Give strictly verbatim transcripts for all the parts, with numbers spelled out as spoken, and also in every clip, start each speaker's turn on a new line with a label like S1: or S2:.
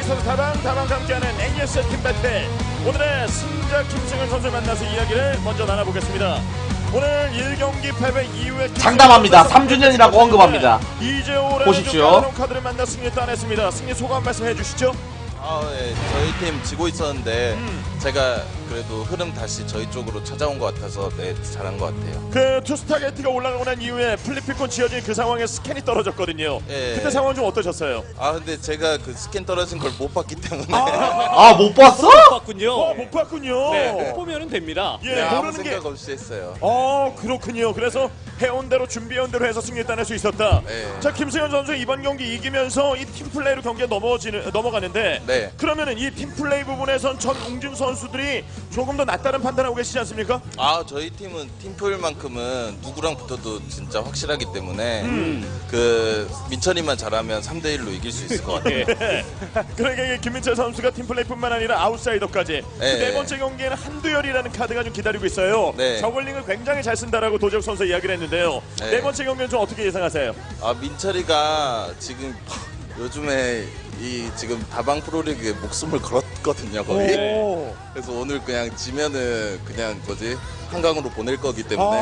S1: 선수 다방 다방 함께하는 에이에스 팀 배틀. 오늘의 승자 김승현 선수 만나서 이야기를 먼저 나눠보겠습니다. 오늘 일 경기 패배 이후에
S2: 장담합니다. 삼 주년이라고 언급합니다.
S1: 이재호라는
S2: 보십시오.
S1: 카드를 만나 승리 따냈습니다. 승리 소감 말씀해 주시죠.
S3: 아, 네. 저희 팀 지고 있었는데
S1: 음.
S3: 제가 그래도 흐름 다시 저희 쪽으로 찾아온 것 같아서 네, 잘한 것 같아요.
S1: 그 투스타게이트가 올라가고 난 이후에 플리피콘 지어진 그 상황에 스캔이 떨어졌거든요.
S3: 예.
S1: 그때 상황 좀 어떠셨어요?
S3: 아 근데 제가 그 스캔 떨어진 걸 못 봤기 때문에
S2: 아, 못 봤어?
S4: 못 봤군요.
S1: 어, 못 봤군요.
S4: 네, 못 보면은 됩니다.
S1: 예,
S3: 네, 아무
S1: 모르는 게.
S3: 생각 없이 했어요.
S1: 어, 그렇군요. 그래서 해온 대로 준비해온 대로 해서 승리 따낼 수 있었다.
S3: 네.
S1: 자, 김승현 선수 이번 경기 이기면서 이 팀플레이로 경기가 넘어지는 넘어가는데.
S3: 네.
S1: 그러면은 이 팀플레이 부분에선 전 웅진 선수들이 조금 더 낫다는 판단하고 계시지 않습니까?
S3: 아 저희 팀은 팀플만큼은 누구랑 붙어도 진짜 확실하기 때문에
S1: 음.
S3: 그 민철이만 잘하면 삼 대 일로 이길 수 있을 것 같아요.
S1: 그러니까 이게 김민철 선수가 팀플레이뿐만 아니라 아웃사이더까지
S3: 네.
S1: 그 네 번째 경기에는 한두열이라는 카드가 좀 기다리고 있어요.
S3: 네.
S1: 저글링을 굉장히 잘 쓴다라고 도적 선수 이야기를 했는데요. 네,
S3: 네.
S1: 번째 경기는 좀 어떻게 예상하세요?
S3: 아 민철이가 지금 요즘에 이 지금 다방 프로리그에 목숨을 걸었거든요 거의.
S1: 오.
S3: 그래서 오늘 그냥 지면은 그냥 뭐지 한강으로 보낼 거기 때문에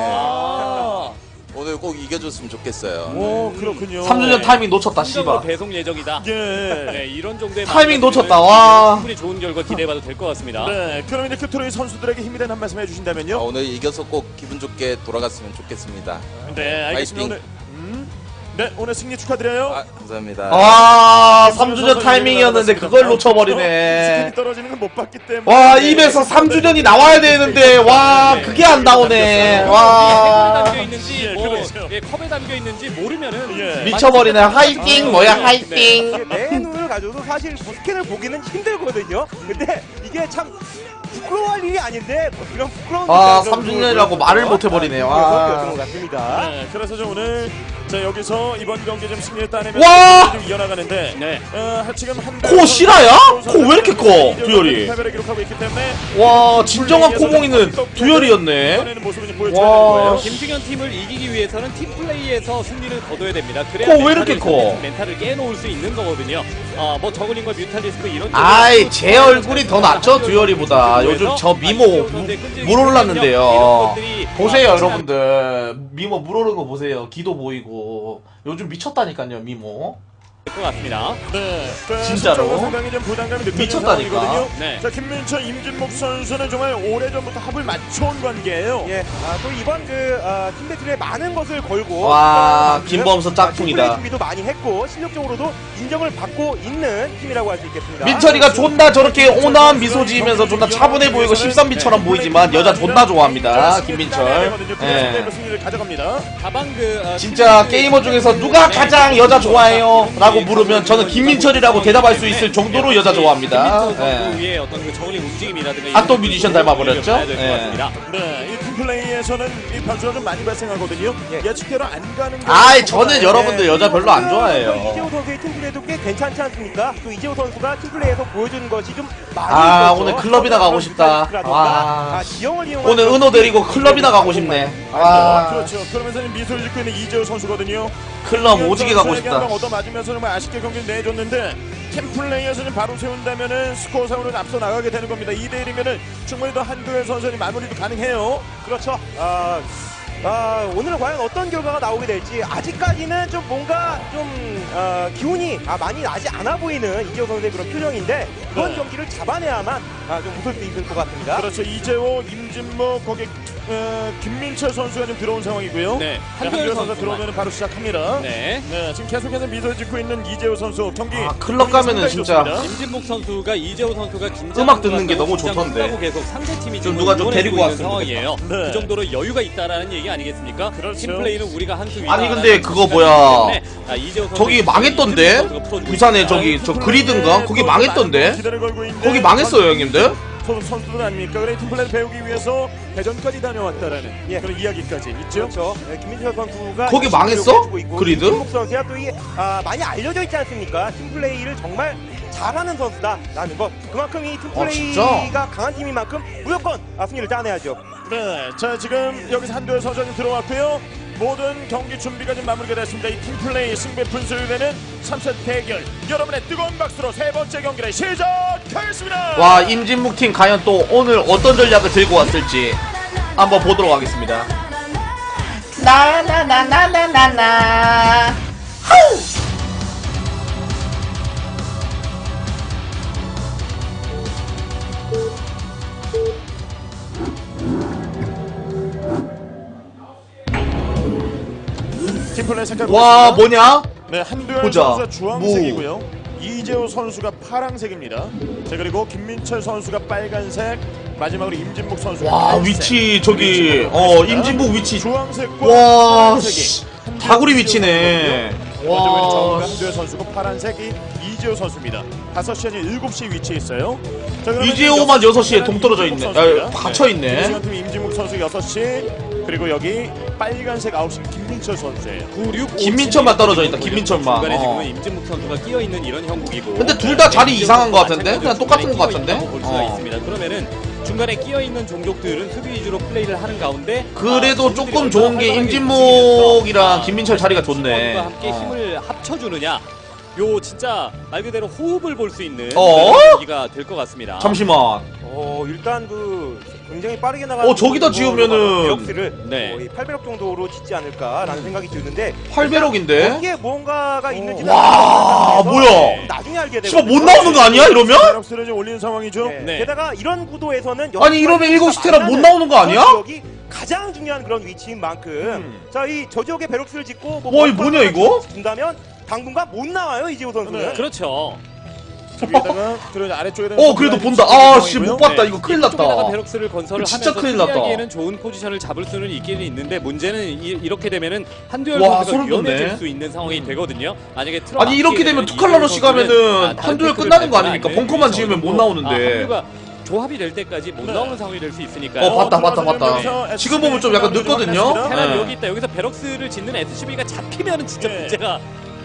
S1: 아.
S3: 오늘 꼭 이겨줬으면 좋겠어요.
S1: 오, 그렇군요.
S2: 삼 주년
S4: 네.
S2: 타이밍 놓쳤다,
S4: 승격으로
S2: 씨발.
S4: 배송 예정이다.
S1: 예.
S4: 네, 이런 정도의
S2: 타이밍
S4: 마음가짐은
S2: 놓쳤다, 와.
S4: 충분히 좋은 결과 기대해봐도 될 것 같습니다.
S1: 네, 그럼 이제 큐토로이 선수들에게 힘이 되는 한 말씀
S3: 아,
S1: 해주신다면요?
S3: 오늘 이겨서 꼭 기분 좋게 돌아갔으면 좋겠습니다.
S1: 네, 알겠습니다.
S3: 파이팅.
S1: 오늘, 음? 네, 오늘 승리 축하드려요.
S3: 아 감사합니다.
S2: 아, 삼 주년 타이밍이었는데 그걸 놓쳐버리네.
S1: 스킬이 떨어지는 건 못 봤기 때문에.
S2: 와, 입에서 삼 주년이 나와야 되는데, 와, 그게 안 나오네.
S4: 컵에
S2: 와.
S4: 담겨 있는지
S1: 예,
S4: 뭐
S1: 그렇죠.
S4: 예, 컵에 담겨 있는지 모르면은
S1: 예.
S2: 미쳐버리네. 하이팅, 뭐야, 하이팅.
S5: 이게 내 눈을 가져도 사실 스캔을 보기는 힘들거든요. 근데 이게 참 부끄러워할 일이 아닌데 그런 부끄러운
S2: 아, 삼 주년이라고 말을 못 해버리네. 와.
S5: 였던 것 같습니다.
S1: 네, 그래서 좀 오늘 자 여기서 이번 경기 좀 승리를 따내면서
S2: 와!
S1: 좀 이어나가는데
S4: 네.
S1: 어, 지금 한
S2: 코 실화야? 코 왜 이렇게 커, 두열이?
S1: 패배를 기록하고 있기 때문에
S2: 와, 진정한 코봉이는 두열이었네.
S1: 이번에는 모습을 좀 보여줘야
S2: 와.
S1: 되는 거예요.
S4: 김승현 팀을 이기기 위해서는 팀 플레이에서 승리를 거둬야 됩니다. 그래야
S2: 코 왜 이렇게
S4: 멘탈을,
S2: 커?
S4: 멘탈을 깨놓을 수 있는 거거든요. 아, 뭐 저글링과 뮤탈리스크 이런
S2: 아이, 제 얼굴이 더 낫죠, 두열이보다. 요즘 저 미모 무- 물 올랐는데요. 보세요, 여러분들. 미모 물 오르는 거 보세요. 기도 보이고. 요즘 미쳤다니까요, 미모.
S4: 것 같습니다.
S1: 네, 그
S2: 진짜로?
S1: 수적으로 상당히 좀 부담감이 느껴지는
S2: 미쳤다니까.
S1: 상황이거든요.
S4: 네.
S1: 자 김민철, 임진목 선수는 정말 오래전부터 합을 맞춰온 관계예요.
S5: 예, 아, 또 이번 그 아, 팀배틀에 많은 것을 걸고
S2: 와,
S5: 팀플레이
S2: 김범수 짝퉁이다.
S5: 준비도 많이 했고 실력적으로도 인정을 받고 있는 팀이라고 할 수 있겠습니다.
S2: 민철이가 존나 저렇게 온화한 미소 지으면서 존나 차분해 보이고 십삼비처럼 보이지만 여자 존나 좋아합니다, 김민철. 예.
S1: 승리를 가져갑니다.
S4: 다방 그 아,
S2: 진짜
S4: 팀
S2: 게이머 중에서 누가 가장 여자 좋아해요? 라고 물으면 저는 김민철이라고 대답할 수 있을 정도로 여자 좋아합니다.
S4: 김민철
S2: 예.
S4: 선수의 어떤 그 저글링 움직임이라든가
S2: 아, 또
S4: 이런
S2: 뮤지션
S4: 것들을
S2: 닮아버렸죠?
S4: 봐야 될것
S2: 예.
S4: 같습니다.
S1: 네, 이 팀플레이에서는 이 변수가 좀 많이 발생하거든요. 예측대로 안 가는 게
S2: 아이, 저는 여러분들 여자 별로 안
S5: 이재호
S2: 좋아해요.
S5: 선수의 팀플레이도 꽤 괜찮지 않습니까? 또 이재호 선수가 팀플레이에서 보여준 것이 좀 많이
S2: 아,
S5: 있었죠.
S2: 오늘 클럽이나 가고 싶다. 와.
S5: 아, 지형을 이용한
S2: 오늘 은호 데리고 클럽이나 가고 싶네.
S1: 아,
S2: 와,
S1: 그렇죠. 그러면서 미소를 짓고 있는 이재호 선수거든요.
S2: 클럽 오지게 가고
S1: 선수에게 한방
S2: 싶다.
S1: 얻어 맞으면서 정말 아쉽게 경기를 내줬는데 팀플레이에서는 바로 세운다면은 스코어상으로 앞서 나가게 되는 겁니다. 이 대 일이면은 충분히 더 한두열 선수의 마무리도 가능해요.
S5: 그렇죠. 아, 아, 오늘 과연 어떤 결과가 나오게 될지 아직까지는 좀 뭔가 좀 어, 기운이 아, 많이 나지 않아 보이는 이재호 선수의 그런 표정인데 이번
S1: 네.
S5: 경기를 잡아내야만 아, 좀 웃을 수 있을 것 같습니다.
S1: 그렇죠. 이재호, 임진목, 거기 어, 김민철 선수가 좀 들어온 상황이고요.
S4: 네,
S1: 한두열
S4: 한두열
S1: 선수가
S4: 선수만.
S1: 들어오면 바로 시작합니다. 네.
S4: 네.
S1: 지금 계속해서 미소를 짓고 있는 이재호 선수 경기.
S2: 아, 클럽 가면은
S1: 상당히
S2: 진짜
S1: 좋습니다.
S4: 임진목 선수가 이재호 선수가 긴장
S2: 음악 듣는 게 너무 좋던데.
S4: 계속 상대 팀이
S2: 좀
S4: 지금
S2: 누가 좀
S4: 응원해주고
S2: 데리고
S4: 있는
S2: 왔으면
S4: 상황이에요.
S1: 좋겠다. 네.
S4: 그 정도로 여유가 있다라는 얘기 아니겠습니까?
S1: 그렇죠.
S4: 팀플레이는 우리가 한 수 위다.
S2: 아니, 근데 그거 뭐야. 저기 망했던데? 부산에 저기 저 그리든가? 거기 망했던데?
S1: 기대를 걸고 있는데
S2: 거기 망했어요, 형님들?
S1: 선- 선수들 아닙니까? 그래 팀플레이 배우기 위해서 대전까지 다녀왔다라는
S5: 예.
S1: 그런 이야기까지 있죠.
S5: 그렇죠. 네, 김민철 선수가
S2: 거기
S5: 열심히
S2: 망했어?
S5: 노력해주고 있고,
S2: 그리드?
S5: 김민철 선수가 또 이게 아, 많이 알려져 있지 않습니까? 팀플레이를 정말 잘하는 선수다라는 것. 그만큼 이
S2: 아, 진짜?
S5: 팀플레이가 강한 팀인 만큼 무조건 아, 승리를 따내야죠.
S1: 네, 자 지금 여기서 한두열 선수가 좀 들어왔고요. 모든 경기 준비가 좀 마무리가 됐습니다. 이 팀플레이 승부의 분수를 내는 삼 세트 대결 여러분의 뜨거운 박수로 세 번째 경기를 시작하겠습니다.
S2: 와, 임진묵 팀 과연 또 오늘 어떤 전략을 들고 왔을지 한번 보도록 하겠습니다. 나나나나나나나
S1: 팀플레이 색깔
S2: 와,
S1: 보겠습니다.
S2: 뭐냐?
S1: 네, 한두열
S2: 보자.
S1: 선수가 주황색이고요. 이재호 선수가 파랑색입니다. 자, 그리고 김민철 선수가 빨간색, 마지막으로 임진묵 선수가
S2: 와,
S1: 갈색.
S2: 위치 저기
S1: 위치를
S2: 어
S1: 보겠습니다.
S2: 임진묵 위치
S1: 주황색과
S2: 와,
S1: 파란색이
S2: 씨.
S1: 한두열
S2: 다구리
S1: 이재호
S2: 위치네.
S1: 선수거든요. 먼저 보이는 정우가
S2: 와,
S1: 한두열 선수고 파란색이 이재호 선수입니다. 다섯 시 아니 일곱 시에 위치해 있어요. 자, 그러면
S2: 이재호만
S1: 여섯
S2: 여섯 시에
S1: 시에는
S2: 동떨어져
S1: 임진묵
S2: 있네.
S1: 선수입니다.
S2: 야, 갇혀 있네.
S1: 김수현팀 임진묵 선수 여섯 시, 그리고 여기 빨간색 아홉 시 김민철 선수예요.
S4: 구육
S2: 김민철만 떨어져 있다, 김민철만.
S4: 중간에
S2: 어.
S4: 지금은 임진묵 선수가 끼어 있는 이런 형국이고.
S2: 근데 둘다 자리
S4: 이재호
S2: 이상한 것
S4: 선수가
S2: 같은데? 그냥
S4: 마찬가지로
S2: 똑같은
S4: 중간에
S2: 것
S4: 끼어
S2: 같은데?
S4: 있다고 볼 수가
S2: 어.
S4: 있습니다. 그러면은 중간에 끼어 있는 종족들은 수비 위주로 플레이를 하는 가운데
S2: 그래도
S4: 아,
S2: 조금 좋은 게 임진묵이랑 김민철 자리가 좋네.
S4: 과 함께
S2: 어.
S4: 힘을 합쳐주느냐. 요 진짜 말 그대로 호흡을 볼 수 있는
S2: 어?
S4: 그런 경기가 될 것 같습니다.
S2: 잠시만.
S5: 어 일단 그 굉장히 빠르게 나가는
S2: 어, 저기다 지으면은-
S5: 배럭스를
S4: 네.
S5: 거의 팔백억 정도로 짓지 않을까라는 생각이 드는데
S2: 팔백억인데?
S5: 거기에 무언가가 있는지
S2: 와, 뭐야?
S5: 나중에 알게 되고
S2: 씨발 못 나오는 거 아니야 이러면?
S1: 베럭스를 좀 올리는 상황이죠.
S5: 네.
S4: 네.
S5: 게다가 이런 구도에서는
S2: 아니, 이러면 일곱 시 테라 못 나오는 거 아니야?
S5: 여기 가장 중요한 그런 위치인 만큼
S1: 음.
S5: 자 이 저지역에 배럭스를 짓고 뭐
S2: 와, 이 뭐냐, 이거?
S5: 준다면 당분간 못 나와요 이재호 선수는.
S1: 네.
S4: 그렇죠.
S1: 저 위에다가 그리고 아래쪽에
S2: 어, 그래도 본다. 아, 씨, 못 봤다. 이거 큰일
S4: 쪽에다가
S2: 났다.
S4: 베럭스를 건설을
S2: 진짜
S4: 하면서
S2: 큰일 났다.
S4: 수비하기에는 좋은 포지션을 잡을 수는 있기는 있는데 문제는 이, 이렇게 되면은 한두열
S2: 와,
S4: 선수가
S2: 소름 돋네.
S4: 위험해질 수 있는 상황이 되거든요. 만약에 틀어
S2: 아니, 이렇게
S4: 막히게
S2: 되면
S4: 되면
S2: 투칼라러시
S4: 이재호 선수는,
S2: 가면은
S4: 아, 다른
S2: 한두열
S4: 태클을
S2: 끝나는 거
S4: 밟거나
S2: 아닙니까?
S4: 아니면
S2: 벙커만
S4: 여기서
S2: 지으면 못
S4: 아,
S2: 나오는데.
S4: 한두열가 조합이 될 때까지 못
S1: 네.
S4: 나오는 상황이 될 수 있으니까요.
S2: 어, 봤다, 봤다,
S1: 들어가서
S2: 봤다.
S1: 여기서
S2: 지금 보면 좀 약간 늦거든요?
S4: 테란
S2: 네.
S4: 여기 있다. 여기서 베럭스를 짓는 에스씨비가 잡히면은 진짜
S1: 네.
S4: 문제가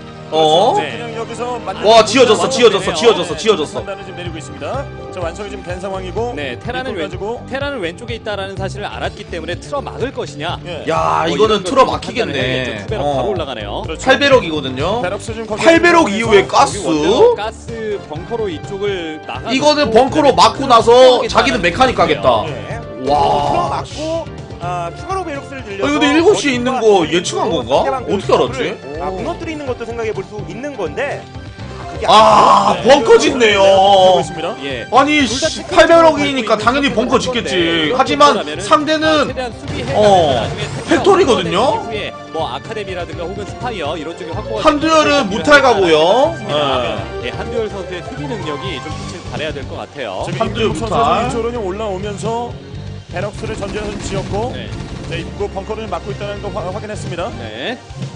S2: 어?
S1: 네. 그냥 여기서 만든
S2: 와, 지어졌어,
S1: 완성이
S2: 지어졌어,
S1: 되네요.
S2: 지어졌어,
S1: 네,
S2: 지어졌어.
S1: 판단을 지금 내리고 있습니다. 자, 완성이 지금 된 상황이고.
S4: 네, 테란은
S1: 이걸
S4: 왼
S1: 가지고
S4: 테란은 왼쪽에 있다라는 사실을 알았기 때문에 틀어 막을 것이냐.
S1: 예.
S2: 야,
S4: 뭐
S2: 이거는
S4: 이런
S2: 틀어
S4: 걸 판단을 해야겠죠.
S2: 막히겠네.
S4: 투배럭 바로 올라가네요.
S1: 그렇죠.
S2: 팔백억이거든요.
S1: 베럭스 지금 거기
S2: 팔백억
S1: 있는
S2: 이후에
S1: 상황에서
S2: 가스?
S4: 원래는 가스 벙커로 이쪽을 나가.
S2: 이거는 벙커로 막고 나서 자기는 메카닉 가겠다.
S1: 예.
S2: 와.
S5: 틀어 맞고 아, 추가로 배럭스를 들려서
S2: 아, 근데 일곱 시에 있는 거 예측한 건가?
S5: 상대방 그
S2: 어떻게 알았지?
S5: 아, 무너뜨리는 것도 생각해 볼 수 있는 건데 그게
S2: 아,
S1: 네.
S2: 벙커 짓네요.
S1: 하고 있습니다.
S4: 예.
S2: 아니,
S4: 둘다 체크를
S2: 팔백억이니까
S4: 밟고
S2: 당연히
S4: 있는
S2: 벙커
S4: 선수인
S2: 짓겠지.
S4: 건데
S2: 하지만
S4: 그렇다면은
S2: 상대는
S4: 최대한 수비해
S2: 어,
S4: 나중에 태클이
S2: 팩토리거든요?
S4: 없어진 이후에 뭐 아카데미라든가 혹은 스파이어 이런 쪽에 확보가
S2: 한두열은 무탈 가고요.
S4: 예. 예, 한두열 선수의 수비 능력이 좀 빛을 발해야 될 것 같아요.
S1: 지금
S2: 한두열
S1: 임진묵
S2: 무탈.
S1: 선수가 이쪽으로 좀 올라오면서 베럭스를 전진해서 좀 지었고
S4: 네.
S1: 네, 입구 벙커를 막고 있다는 거 화- 확인했습니다.
S4: 네.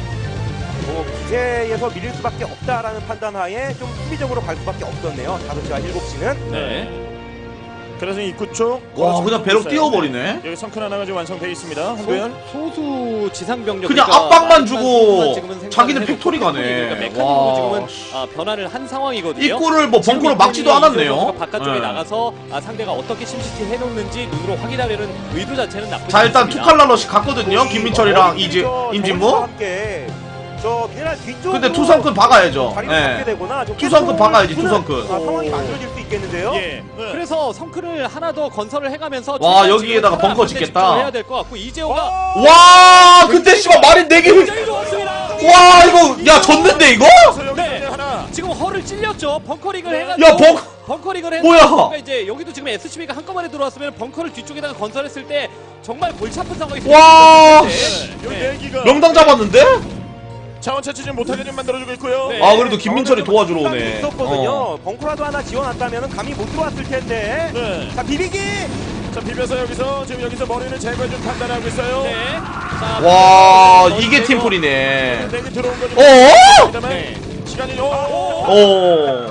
S5: 뭐 기세에서 밀릴 수밖에 없다라는 판단하에 좀 수비적으로 갈 수밖에 없었네요. 다섯 시와 일곱 시는
S4: 네.
S1: 그래서 입구 쪽
S2: 와, 그냥 배럭 띄워버리네.
S1: 여기 성큰 하나가 지금 완성돼 있습니다. 한두열.
S4: 소, 소수 지상 병력
S2: 그냥
S4: 그러니까
S2: 압박만
S4: 마지막
S2: 주고
S4: 순간 지금은 생산을
S2: 자기는
S4: 해놓고
S2: 팩토리 가네.
S4: 그러니까 메카닉으로
S2: 와.
S4: 지금은 아, 변화를 한 상황이거든요.
S2: 입구를 뭐
S4: 지금
S2: 벙커로 막지도
S4: 이태리
S2: 않았네요.
S4: 이재호 선수가 바깥쪽에
S2: 네.
S4: 나가서 아, 상대가 어떻게 심시티 해놓는지 눈으로 확인하려는 의도 자체는 나쁘지
S2: 자, 일단
S4: 않습니다.
S2: 투칼라러시 갔거든요. 김민철이랑 이제
S5: 정우와
S2: 임진무.
S5: 함께 저 미네랄 뒤쪽
S2: 근데 투성큰 박아야죠.
S5: 자리를 잡게
S2: 예.
S5: 되거나 좀
S2: 투성큰 박아야지,
S5: 주는,
S2: 투성큰.
S5: 아, 상황이 만들어질 수 있겠는데요.
S1: 예. 네.
S4: 그래서 성큰을 하나 더 건설을 해가면서
S2: 와,
S4: 최대한
S2: 여기에다가
S4: 지금
S2: 벙커
S4: 테란
S2: 짓겠다.
S4: 해야 될 것 같고 이재호가
S2: 와, 근데 씨발 말이 네 개.
S4: 굉장히 좋았습니다.
S2: 와, 이거 야 졌는데 이거?
S1: 그래서 여기
S4: 네.
S1: 네. 하나.
S4: 지금 허를 찔렸죠. 벙커링을 해가지고.
S2: 야, 벙
S4: 벙커링을 해서
S2: 뭐야?
S4: 그러니까 이제 여기도 지금 에스씨비가 한꺼번에 들어왔으면 벙커를 뒤쪽에다가 건설했을 때 정말 골치 아픈 상황이
S2: 와,
S4: 생겼을 텐데.
S1: 여기
S4: 네.
S1: 네 기가
S2: 명당 잡았는데?
S1: 자원 채취 좀 못하게 좀 만들어주고 있고요.
S4: 네.
S2: 아, 그래도 김민철이 도와주러
S5: 시간이
S2: 오네.
S5: 있었거든요.
S2: 어.
S5: 벙커라도 하나 지원했다면 감이 못 들어왔을 텐데.
S1: 네.
S5: 자 비비기.
S1: 자 비벼서 여기서 지금 여기서 머리를 제거해 좀 판단하고 있어요.
S4: 네. 자,
S2: 와,
S4: 벙커링을
S2: 이게
S4: 넣어주고
S2: 팀플이네.
S1: 내기 들어온 거죠.
S2: 어?
S1: 그다음에
S4: 네.
S1: 시간이 오.
S2: 어.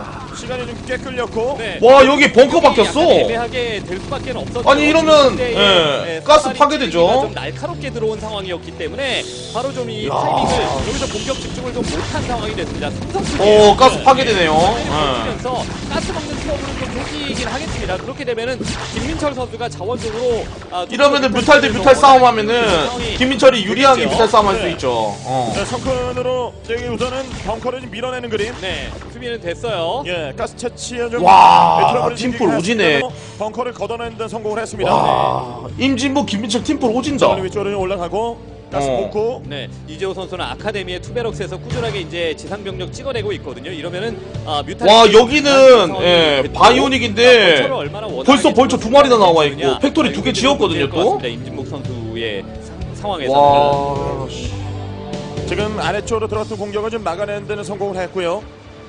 S1: 시간이 좀 꽤 끌렸고.
S4: 네.
S2: 와, 여기 벙커
S4: 약간
S2: 박혔어.
S4: 애매하게 될 수밖에 없었죠.
S2: 아니, 이러면,
S4: 그때의,
S2: 예,
S4: 예,
S2: 가스
S4: 사다리
S2: 파괴되죠.
S4: 찌르기가 좀 날카롭게 들어온 상황이었기 때문에 바로 좀 이
S2: 야.
S4: 타이밍을 여기서 공격 집중을 좀 못한 상황이 됐습니다. 삼성수비.
S2: 오, 가스 파괴되네요.
S4: 면서 가스 먹는 수업으로 좀 생기긴 하겠습니다. 그렇게 되면은 김민철 선수가 자원적으로 아,
S2: 이러면은 뮤탈 대 뮤탈 싸움하면은 김민철이 유리하게 뮤탈 싸움할 수 있죠. 어.
S1: 네, 성큰으로 여기 우선은 벙커를 좀 밀어내는 그림.
S4: 네, 수비는 됐어요.
S1: 예, 가스 채취에 좀
S2: 와,
S1: 네, 트러블이
S2: 팀볼
S1: 생기긴
S2: 오지네.
S1: 했습니다만 벙커를 걷어내는 데 성공을 했습니다.
S2: 와, 임진부 김민철 팀볼 오진다.
S1: 네. 위쪽으로 올라가고 가스
S2: 어.
S1: 뽑고.
S4: 네, 이재호 선수는 아카데미의 투베럭스에서 꾸준하게 이제 지상 병력 찍어내고 있거든요. 이러면은 아, 뮤탈
S2: 와, 여기는 예, 바이오닉인데 벌써 벌써 두 마리나 나와 있고 팩토리 두 개 지었거든요 또.
S4: 임진묵 선수의 상- 상황에서.
S2: 와, 씨.
S1: 지금 아래쪽으로 들어왔던 공격을 좀 막아내는 데는 성공을 했고요.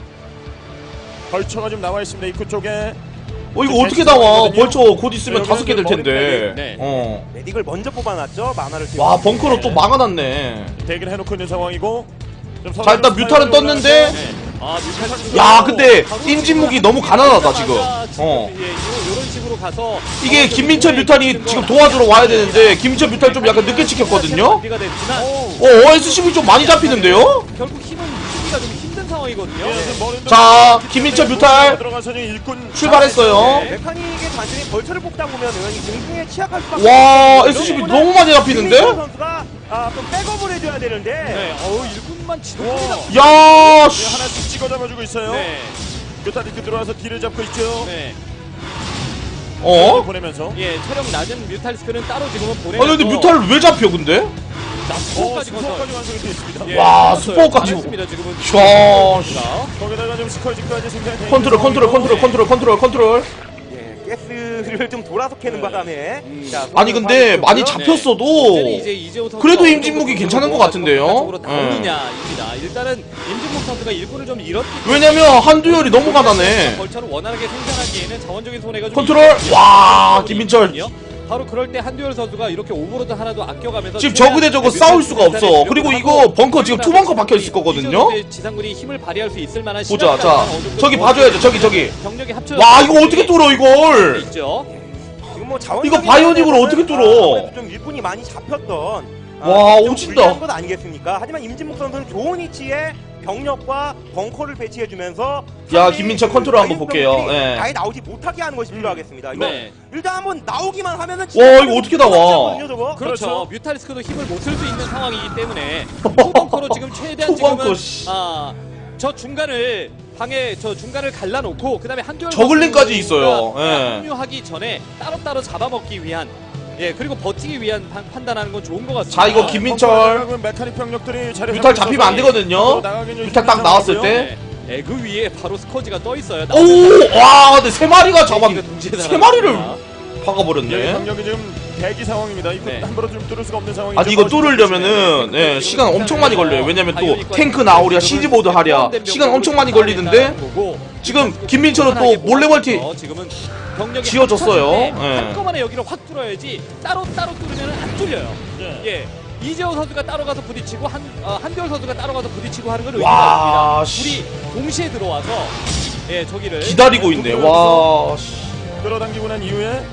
S1: 벌처가 좀 나와 있습니다. 입구 쪽에.
S2: 어, 이거 어떻게 나와? 벌써 곧 있으면 다섯 개 될 텐데.
S4: 네.
S2: 어.
S5: 메딕을 먼저 뽑아놨죠. 만화를
S2: 와, 벙커로 또 막아놨네.
S1: 대기를 해놓고 있는 상황이고. 좀
S2: 자, 일단 뮤탈은 떴는데.
S4: 네. 아, 뮤탈 선수.
S2: 야, 근데 임진묵이 너무 가난하다 지금. 어.
S4: 예, 이런 식으로 가서
S2: 이게 김민철 뮤탈이 지금 도와주러 와야 되는데 김민철 뮤탈 좀 약간 늦게 찍혔거든요.
S4: 준비가 됐지만
S2: 어, 에스씨비 좀 많이 잡히는데요?
S4: 결국 힘은 유지가 좀 힘든 상황이거든요. 네.
S2: 자, 김민철 뮤탈
S1: 들어가서 일꾼
S2: 출발했어요.
S4: 네.
S5: 메카닉의 단순히 벌처를 뽑다 보면은 이 공중에 취약할 수밖에
S2: 와,
S5: 없어요.
S2: 에스씨비
S5: 이런
S2: 너무 많이 잡히는데?
S5: 김민철 선수가 아, 좀 백업을 해줘야 되는데
S4: 네, 어우 일꾼만 지도합니다.
S2: 야,
S1: 네,
S2: 씨.
S1: 하나씩 찍어 잡아주고 있어요.
S4: 네,
S1: 뮤탈 이렇게 들어와서 뒤를 잡고 있죠.
S4: 네.
S2: 어?
S1: 보내면서.
S4: 예, 체력 낮은 뮤탈스크는 따로 지금은 보내면서.
S2: 아니 근데 뮤탈을 왜 잡혀 근데?
S1: 어,
S4: 스포까지 건설.
S1: 스포까지 완성이 되어 있습니다.
S4: 예,
S2: 와,
S4: 건설
S2: 스포까지.
S4: 잘했습니다, 지금은.
S2: 야, 씨.
S1: 거기다가 좀 스컬지까지 생산이 되어
S2: 컨트롤 컨트롤 컨트롤 컨트롤 컨트롤 컨트롤.
S5: 예, 가스를 좀 돌아서 캐는 바람에 자,
S2: 아니 근데 많이
S5: 하고 있고요.
S2: 잡혔어도
S4: 문제는 이제 이재호 선수가
S2: 그래도
S4: 어느
S2: 임진묵이
S4: 정도
S2: 괜찮은 것
S4: 뭐가
S2: 같은데요?
S4: 적극적으로
S2: 예.
S4: 나오느냐입니다. 일단은 임진묵 선수가 일꾼을 좀 잃었기 때문에
S2: 왜냐면 한두열이 너무 가난해.
S4: 벌처를 원활하게 생산하기에는 자원적인 손해가 좀
S2: 컨트롤!
S4: 있거든요.
S2: 와, 김민철.
S4: 바로 그럴 때 한두열 선수가 이렇게 오버로드 하나도 아껴가면서
S2: 지금 저그 대 저그 싸울 수가 없어. 그리고 이거 벙커 지금 투 벙커 박혀 있을 거거든요.
S4: 지상군이 힘을 발휘할 수 있을 만한
S2: 보자.
S4: 시간까지
S2: 자,
S4: 어느 정도
S2: 저기
S4: 더
S2: 봐줘야죠. 저기 저기.
S4: 병력이 합쳐.
S2: 와, 이거 어떻게 뚫어 이걸?
S4: 있죠.
S5: 지금 뭐 자원
S2: 이거 바이오닉으로 어떻게 뚫어?
S5: 좀 일꾼이 많이 잡혔던
S2: 와,
S5: 좀
S2: 오진다.
S5: 불리한 것 아니겠습니까? 하지만 임진묵 선수는 좋은 위치에 병력과 벙커를 배치해주면서
S2: 야,
S5: 상대의
S2: 김민철
S5: 그
S2: 컨트롤 한번
S5: 바이오
S2: 볼게요.
S5: 병력이
S2: 예.
S5: 아예 나오지 못하게 하는 것이 필요하겠습니다. 이거
S4: 네.
S5: 일단 한번 나오기만 하면은
S2: 와,
S5: 진짜
S2: 이거 어떻게 나와?
S5: 끝났거든요, 저거.
S4: 그렇죠.
S1: 그렇죠.
S4: 뮤탈리스크도 힘을 못 쓸 수 있는 상황이기 때문에 투벙커로 지금 최대한
S2: 투벙커,
S4: 지금은
S2: 씨.
S4: 아, 저 중간을 방에 저 중간을 갈라놓고 그다음에 한두열
S2: 저글링까지 있어요.
S4: 선수가
S2: 예.
S4: 합류하기 전에 따로따로 잡아먹기 위한 예 그리고 버티기 위한 판, 판단하는 건 좋은 것 같습니다.
S2: 자, 이거 김민철
S1: 메카닉 병력들이 자리
S2: 뮤탈 잡히면 안 되거든요. 뮤탈 딱 나왔을 때.
S4: 네, 에그 위에 바로 스커지가 떠 있어요.
S2: 오, 와, 근데 세 마리가 잡았.
S4: 동시에
S2: 세 마리를
S4: 날아갑니다.
S1: 예,
S2: 박아버렸네.
S1: 병력이 지금 대기 상황입니다. 이거
S4: 네.
S1: 함부로 좀 뚫을 수가 없는 상황이죠.
S2: 아니 이거 뚫으려면은 예, 시간 엄청 많이 걸려요. 왜냐면 또 탱크 나오랴 시즈보드 하랴 시간 엄청 많이 걸리는데 지금 김민철은 또 몰래 멀티
S4: 지금은 병력이
S2: 지어졌어요.
S4: 합쳐졌는데
S2: 예.
S4: 한꺼번에 여기를 확 뚫어야지 따로 따로 뚫으면 안 뚫려요.
S1: 예.
S4: 예. 이재호 선수가 따로 가서 부딪히고 한 어, 한별 선수가 따로 가서 부딪히고 하는 건
S2: 와,
S4: 의미가
S2: 씨.
S4: 있습니다. 둘이 동시에 들어와서 예 저기를
S2: 기다리고 있네. 와, 씨.
S1: 끌어당기고 난 이후에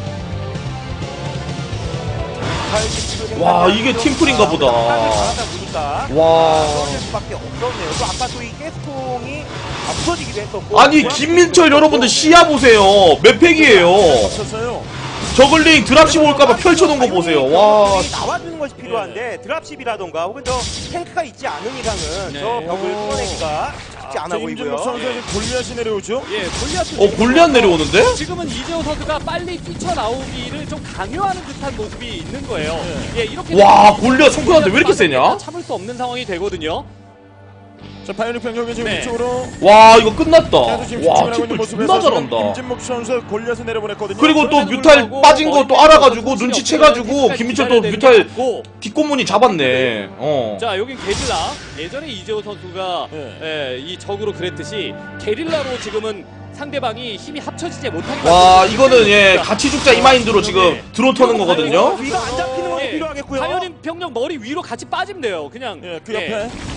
S2: 와, 이게 팀플인가 보다.
S5: 보니까
S2: 와.
S5: 떨어질 수밖에 없었네요. 또 아까 또 이 가스통이 부서지기도 했었고.
S2: 아니 김민철 여러분들 시야 보세요. 몇 팩이에요.
S1: 없었어요.
S2: 저글링 드랍십 올까봐 펼쳐놓은 거 보세요. 와, 씨.
S5: 나와주는 것이 필요한데 드랍십이라던가 혹은 저 탱크가 있지 않은 이상은
S4: 네.
S5: 저 벽을 뚫어내기가 쉽지 않아
S1: 임진묵
S5: 보이고요.
S1: 선수가 지금 골리앗이 내려오죠.
S4: 예 골리앗
S2: 어, 골리앗 내려오는데?
S4: 지금은 이재호 선수가 빨리 뛰쳐나오기를 좀 강요하는 듯한 모습이 있는 거예요. 예, 이렇게
S2: 와,
S4: 되면
S2: 골리앗 성큰한테 왜 이렇게 세냐?
S4: 참을 수 없는 상황이 되거든요.
S1: 자, 바이오닉 병력이 지금
S4: 네.
S1: 위쪽으로
S2: 와, 이거 끝났다.
S1: 계속 지금
S2: 와,
S1: 집중을 하고 있는
S2: 팀플
S1: 모습에서
S2: 존나
S1: 지금
S2: 잘한다.
S1: 임진묵 선수 골리앗을 내려보냈거든요.
S2: 그리고 또
S4: 그럼에도
S2: 뮤탈
S4: 불구하고
S2: 빠진 거 또
S4: 머리
S2: 알아가지고
S4: 빼고
S2: 눈치채가지고
S4: 정신이
S2: 김민철 또
S4: 없으면
S2: 뮤탈
S4: 기다려야 되는 게
S2: 뒷공문이 잡았네. 어.
S4: 자, 여긴 게릴라. 예전에 이재호 선수가
S1: 네.
S4: 예, 이 적으로 그랬듯이 게릴라로 지금은 상대방이 힘이 합쳐지지 못하게
S2: 와,
S4: 만드는
S2: 이거는 예
S4: 그러니까
S2: 같이 죽자 이 마인드로 지금 드론 터는 거거든요.
S5: 위가 안 잡히는 건
S4: 예,
S5: 필요하겠고요.
S4: 당연히 병력 머리 위로 같이 빠지면 돼요. 그냥
S1: 예, 그
S4: 예.
S1: 옆에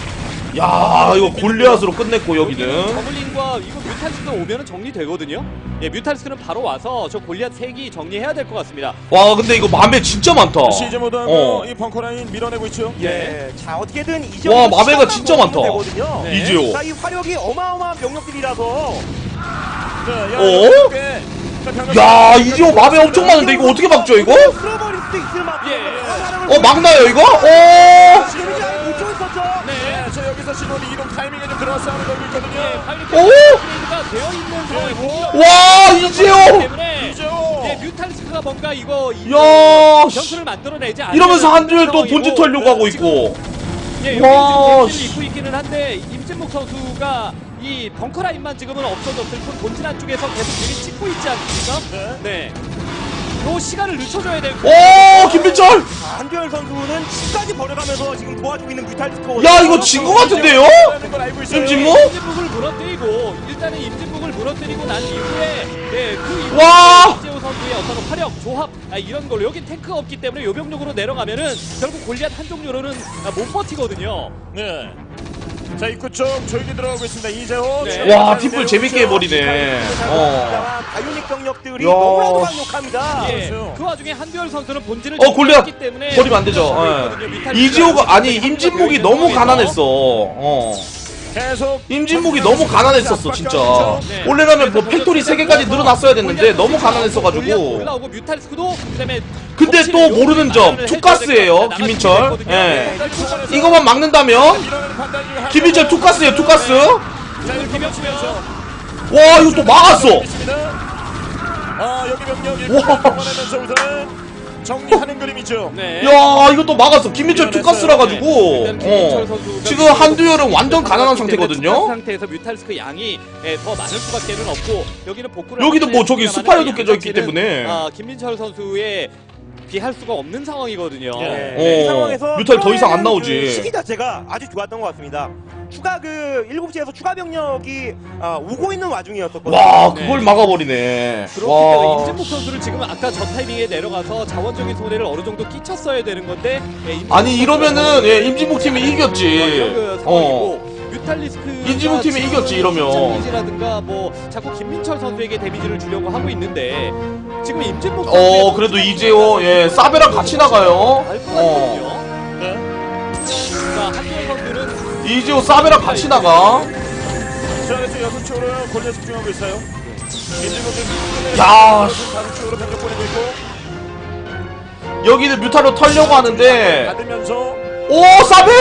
S2: 야 이거 골리앗으로 끝냈고 여기는.
S4: 저글링과 이거 뮤탈리스크 오면은 정리되거든요. 예, 뮤탈리스크는 바로 와서 저 골리앗 색이 정리해야 될 것 같습니다.
S2: 와 근데 이거 맘에 진짜 많다.
S1: 시즈 모드하고
S2: 어.
S1: 이 벙커 라인 밀어내고 있죠.
S5: 예. 자 어떻게든 이제
S2: 와, 마베가 진짜 많다.
S4: 네.
S2: 이재호.
S5: 자, 이 화력이 어마어마한 병력들이라서
S1: 자, 야,
S2: 어?
S1: 이렇게. 자, 병력
S2: 야
S1: 병력
S2: 이지호 맘에 엄청 많은데 이거 어떻게 막죠 이거?
S5: 끌어버릴 수도 있을 만큼.
S4: 예.
S2: 어 막나요 이거? 오.
S5: 지금 이제 못 줬었죠.
S1: 네, 저 여기서 신호리 이동 타이밍에 좀 들어와 싸움을 걸고 있거든요.
S4: 파이리트
S2: 오!
S4: 업그레이드가 되어 있는 상황이고.
S2: 와 이지호.
S4: 때문에
S1: 이죠.
S4: 예, 뮤탈리스크가 뭔가 이거 이-
S2: 야,
S4: 변수를 만들어내지 않으면
S2: 이러면서 한두열 또
S4: 상황이고,
S2: 본진 털려고 하고 있고.
S4: 예,
S2: 와,
S4: 여기 지금
S2: 씨.
S4: 데미지를 입고 있기는 한데 임진묵 선수가 이 벙커 라인만 지금은 없어졌을 뿐 본진 안쪽에서 계속 되게 찍고 있지 않습니까? 네. 요 시간을 늦춰줘야 되고.
S2: 오 김민철.
S5: 한두열 선수는 치까지 버려가면서 지금 도와주고 있는 뮤탈리스크.
S2: 야 이거 진 거 같은데요? 임진묵?
S4: 임진묵을 무너뜨리고 일단은 임진묵을 무너뜨리고 난 이후에 네, 그 이후에
S2: 와!
S4: 이재호 선수의 어떤 화력, 조합 아, 이런 걸로 여긴 탱크가 없기 때문에 요병력으로 내려가면은 결국 골리앗 한 종류로는 아, 못 버티거든요.
S1: 네. 자, 입구 쪽 조용히 들어가고 있습니다. 이재호.
S4: 네.
S2: 와 뒷불 재밌게 해버리네. 어.
S5: 바이오닉 병력들이
S2: 야.
S5: 너무나도 강력합니다.
S4: 예,
S1: 그렇죠.
S4: 그 와중에 한두열 선수는 본진을
S2: 어 골리앗
S4: 잡았기 때문에
S2: 버리면 안 되죠. 예. 이지호가 아니 임진묵이 너무 가난했어. 어.
S1: 계속
S2: 임진묵이 너무 가난했었어 진짜. 원래라면 뭐 팩토리 세 개까지 늘어났어야 됐는데 너무 가난했어가지고.
S4: 올라오고 뮤탈리스크도 그다음에
S2: 근데 또 모르는 점 투가스예요 김민철. 예. 이거만 막는다면
S1: 밀어내는 판단 중에 한
S2: 김민철 투가스예요 투가스.
S1: 자, 이렇게
S4: 김현수면서
S2: 와 이거 또 막았어.
S1: 있습니다. 아, 여기 병력
S2: 와.
S1: 일본에면서 우선 정리하는 그림이죠.
S4: 네.
S2: 야 이거 또 막았어. 김민철 투가스라 가지고.
S4: 일단 김민철
S2: 어.
S4: 선수가
S2: 지금 한두열은 완전 가난한
S4: 투가스
S2: 상태거든요.
S4: 상태에서 뮤탈리스크 양이 예, 더 많을 수밖에는 없고 여기는 복구를
S2: 여기도
S4: 하긴
S2: 뭐 저기
S4: 했습니다만
S2: 스파이어도
S4: 이
S2: 깨져 있기
S4: 양자체는,
S2: 때문에.
S4: 아, 김민철 선수의 비할 수가 없는 상황이거든요.
S1: 예.
S5: 네, 이
S2: 어,
S5: 상황에서
S2: 뮤탈 더 이상 안
S5: 그
S2: 나오지.
S5: 시기 자체가 아주 좋았던 것 같습니다. 추가 그 일곱 시에서 추가 병력이 아, 오고 있는 와중이었었거든요.
S2: 와 그걸 막아버리네.
S4: 그렇기 때문에
S2: 와.
S4: 임진묵 선수를 지금 아까 저 타이밍에 내려가서 자원적인 손해를 어느 정도 끼쳤어야 되는 건데 예, 임진묵
S2: 아니 이러면은
S4: 선수가
S2: 예, 임진묵 팀이
S4: 어,
S2: 이겼지.
S4: 이런 그
S2: 어.
S4: 상황이고 뮤탈리스크
S2: 임진묵 팀이 이겼지, 이러면.
S4: 데미지라든가 뭐 자꾸 김민철 선수에게 데미지를 주려고 하고 있는데 지금 임진묵
S2: 어 그래도 이재호 예 사베랑 같이 나가요.
S4: 알것
S2: 어.
S4: 같거든요.
S1: 네.
S4: 자 한두열 선수는
S2: 이재호 사베랑 같이 나가.
S1: 자, 그래서 여섯 쪽으로 골려 집중하고 있어요. 민주국은
S2: 야,
S1: 다섯 쪽으로 병력 보내고 있고
S2: 여기는 뮤타로 털려고 하는데.
S1: 받으면서
S2: 오 사베.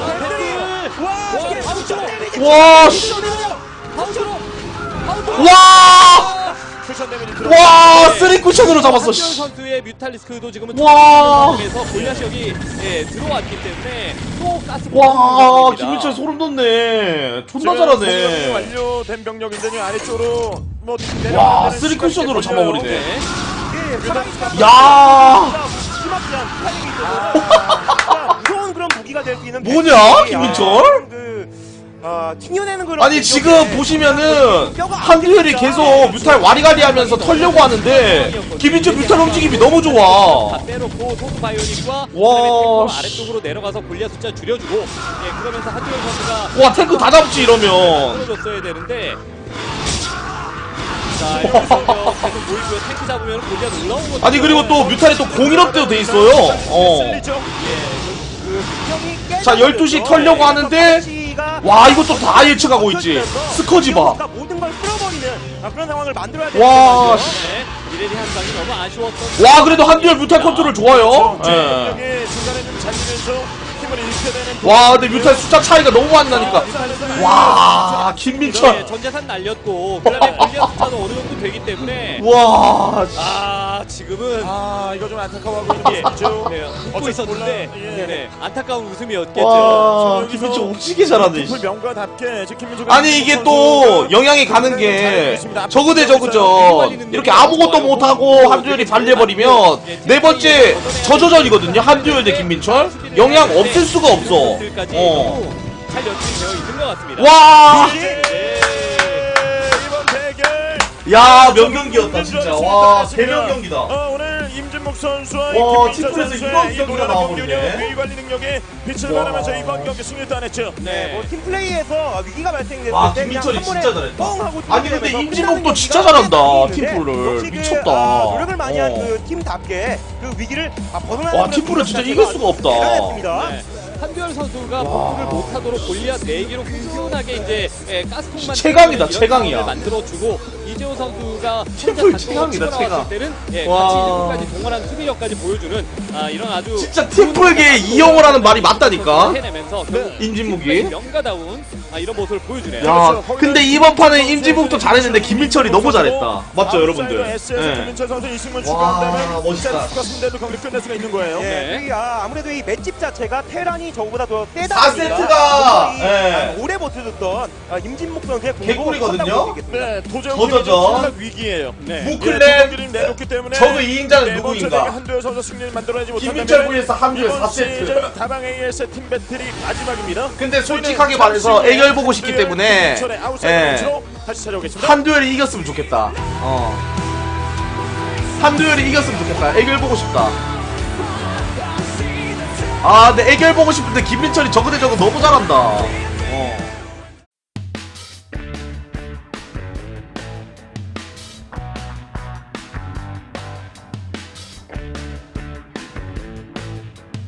S5: 와, 이게
S4: 바우처로
S2: 와. 씨.
S4: 바우처로 바우처로
S2: 와.
S1: 쿠션 데미지 들어.
S2: 와 쓰리 쿠션으로 잡았어.
S4: 한두열
S2: 씨.
S4: 선수의 뮤탈리스크도 지금은
S2: 와.
S4: 에서 골리앗이 여기 예, 들어왔기 때문에 또 가스
S2: 와 김민철 소름 돋네. 존나 잘하네.
S1: 완료된 병력인데 아래쪽으로 뭐
S2: 와 쓰리 쿠션으로 잡아버리네.
S4: 네.
S5: 이게 사랑이가
S2: 야.
S5: 심하지 않은 타이밍이 있어서 무서운 그런 무기가 될 수 있는
S2: 뭐냐,
S5: 백성이,
S2: 김민철?
S5: 아, 그 아, 튕겨내는 그런
S2: 아니 지금 보시면은 한두열이 계속 뮤탈 와리가리하면서 털려고 하는데 김민철 뮤탈 움직임이 너무
S4: 다
S2: 좋아.
S4: 빼놓고 소수 바이오닉과
S2: 와,
S4: 와,
S2: 씨.
S4: 아래쪽으로 내려가서 골리앗 숫자 줄여주고 예, 그러면서 한두열 선수가
S2: 와 탱크 다 잡지 이러면.
S4: 떨어졌어야 되는데 자 이러면서 계속 모이고요. 탱크 잡으면 골리앗 올라오고
S2: 아니 그리고 또 뮤탈이 또 공일업대도 돼 있어요. 어.
S1: 쓸리죠.
S2: 자, 열두 시 털려고 하는데 와 이것도 다 예측하고 있지. 스커지 봐.
S5: 모든 걸 끌어버리는 아, 그런 상황을 만들어야
S2: 와,
S5: 되는
S4: 네, 이래리 한 방이 너무 아쉬웠던
S2: 와 그래도 한두열 뮤탈 컨트롤 좋아요. 예.
S1: 병력이 중간에 좀 잡히면서 힘을 잃게 되는.
S2: 와 근데 뮤탈 숫자 차이가 너무 많이 나니까. 와 김민철.
S4: 네, 전재산 날렸고 그다음에 골리앗 숫자도 어느 정도 되기 때문에
S2: 와. 씨.
S4: 아 지금은
S1: 아, 이거 좀 안타까워하고 있는
S4: 예,
S1: 모습이죠.
S4: 네, 웃고
S1: 어쩔 수
S4: 있었는데
S1: 몰라. 예.
S4: 네, 안타까운 웃음이었겠죠.
S2: 와
S1: 여기서
S2: 김민철 오지게 잘하네.
S1: 풀 명가답게 지금 김민철
S2: 아니 이게 또 영향이 가는 게 저그 대 저그전 이렇게 아무것도 못하고 한두열이 발려버리면 네 번째 저저전이거든요. 한두열 대 김민철 영향 없을 수가 없어. 어.
S4: 잘 연출이 되어 있는 것 같습니다.
S2: 와.
S4: 네.
S1: 이번 대결
S2: 야 명경기였다 진짜. 와 대명경기다.
S1: 어, 오늘 임준모 임진목 선수와
S2: 와,
S1: 김민철
S2: 팀플에서
S1: 선수의
S2: 이런
S1: 이
S2: 경기가
S1: 노련한
S2: 나와버리네.
S1: 경기력, 위기 관리 능력에 빛을
S2: 와.
S1: 발하면서 이번 경기 승리를 따냈죠.
S5: 네, 뭐 팀플레이에서 위기가 발생됐을
S2: 와,
S5: 때
S2: 김민철이
S5: 그냥 한 번에
S2: 진짜 잘했다.
S5: 뻥 하고
S2: 아니, 근데
S5: 뚫리면서
S2: 임진목도
S5: 끝나는
S2: 진짜
S5: 경기가
S2: 잘한다,
S5: 꽤 있는데
S2: 팀플을.
S5: 역시 그,
S2: 미쳤다.
S5: 아, 노력을 많이 한
S2: 어.
S5: 그 팀답게 그 위기를 아, 벗어나는
S2: 와,
S5: 그런
S2: 팀플은 진짜
S5: 자체가
S2: 이길 수가 없다.
S5: 대단했습니다.
S4: 네. 한두열 선수가 복구를 못하도록 골리앗 네 개로 끈끈하게 이제 예, 가스통만
S2: 최강이다,
S4: 이런
S2: 최강이야.
S4: 상황을 만들어주고 이재호 선수가
S2: 팀플 최강이다, 최강.
S4: 때는 예,
S2: 와.
S4: 같이 일부까지 동원한 수비력까지 보여주는 아, 이런 아주
S2: 진짜 팀플계 이영호라는 말이 맞다니까?
S4: 해내면서 결국
S2: 임진묵이.
S4: 팀플의 명가다운 아, 이런 모습을 보여주네요.
S2: 야, 근데 이번 판은 임진묵도 잘했는데 김민철이 너무 잘했다. 맞죠, 여러분들?
S1: 에스에스
S2: 네.
S1: 김민철 선수 이승문
S2: 와,
S1: 추가한다면
S2: 멋있다.
S1: 축하승대도 경기 끝낼 수가 있는 거예요.
S5: 예,
S4: 네.
S5: 이, 아, 아무래도 이 맷집 자체가 테란이 저거보다 더 세다
S2: 사
S5: 보니까
S2: 세트가,
S5: 이,
S2: 예.
S5: 아, 오래 버텨줬던 아, 임진목 선수의
S2: 개꿀이거든요?
S1: 네, 도저히
S2: 저저전.
S1: 위기예요.
S4: 네.
S2: 무클랩
S1: 경기를 내놓기 때문에
S2: 저그 이 인자는
S1: 네 번째
S2: 누구인가?
S1: 대회 한두열 선수 승리를 만들어내지
S2: 김민철
S1: 못한다면
S2: vs 한두열
S1: 이번
S2: 사 세트.
S1: 시즌 다방 에이에스의 팀 배틀이 마지막입니다.
S2: 근데 솔직하게 말해서 애결 보고 싶기 때문에
S1: 김민철의 아웃사이드
S2: 예.
S1: 펀치로 다시 찾아오겠습니다.
S2: 한두열이 이겼으면 좋겠다. 어. 한두열이 이겼으면 좋겠다. 애결 보고 싶다. 아, 근데 애결 보고 싶은데 김민철이 저거 대 저거 너무 잘한다. 어.